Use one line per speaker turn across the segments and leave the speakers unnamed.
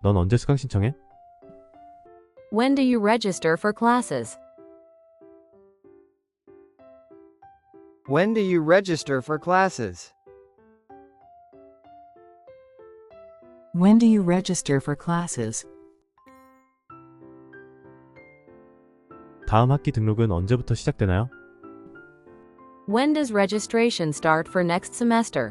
넌 언제 수강 신청해?
When do you register for classes?
When do you register for classes?
When do you register for classes?
다음 학기 등록은 언제부터 시작되나요?
When does registration start for next semester?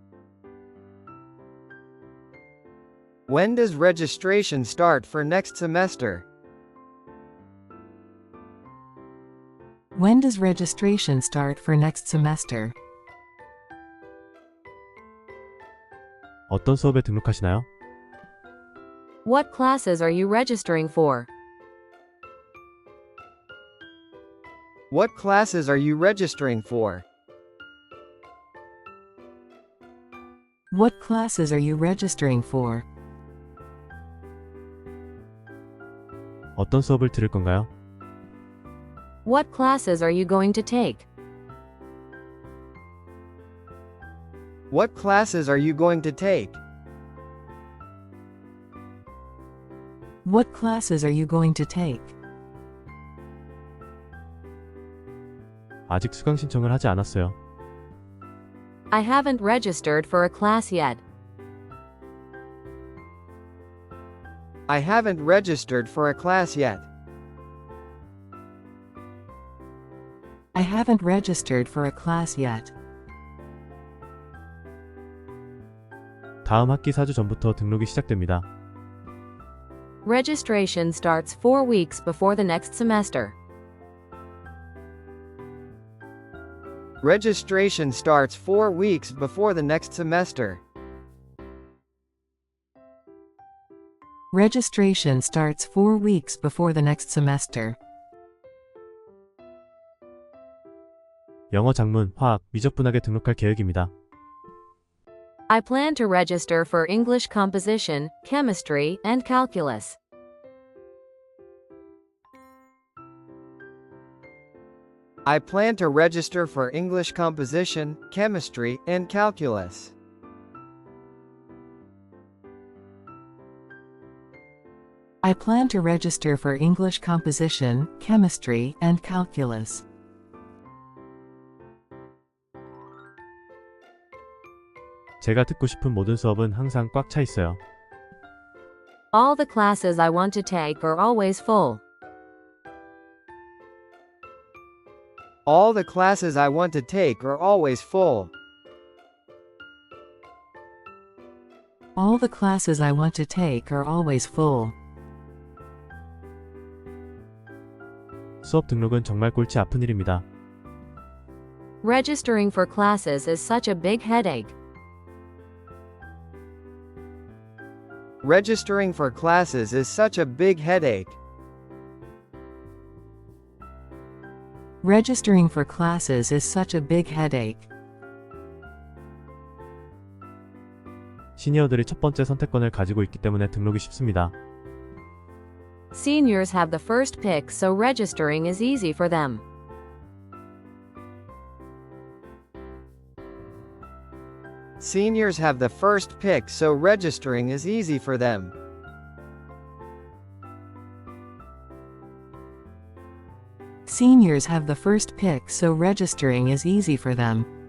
When does registration start for next semester?
When does registration start for next semester?
어떤 수업에 등록하시나요?
What classes are you registering for?
What classes are you registering for?
What classes are you registering for?
어떤 수업을 들을 건가요?
What classes are you going to take?
What classes are you going to take?
What classes are you going to take?
아직 수강 신청을 하지 않았어요.
I haven't registered for a class yet.
I haven't registered for a class yet.
I haven't registered for a class yet.
다음 학기 4주 전부터 등록이 시작됩니다.
Registration starts 4 weeks before the next semester.
Registration starts 4 weeks before the next semester.
Registration starts 4 weeks before the next semester.
영어 작문, 화학, 미적분학에 등록할 계획입니다.
I plan to register for English composition, chemistry, and calculus.
I plan to register for English composition, chemistry, and calculus.
I plan to register for English composition, chemistry, and calculus.
제가 듣고 싶은 모든 수업은 항상 꽉 차 있어요.
All the classes I want to take are always full.
All the classes I want to take are always full.
All the classes I want to take are always full.
수업 등록은 정말 골치 아픈 일입니다.
Registering for classes is such a big headache.
Registering for classes is such a big headache.
Registering for classes is such a big headache.
시니어들이 첫 번째 선택권을 가지고 있기 때문에 등록이 쉽습니다.
Seniors have the first pick, so registering is easy for them.
Seniors have the first pick, so registering is easy for them.
Seniors have the first pick, so registering is easy for them.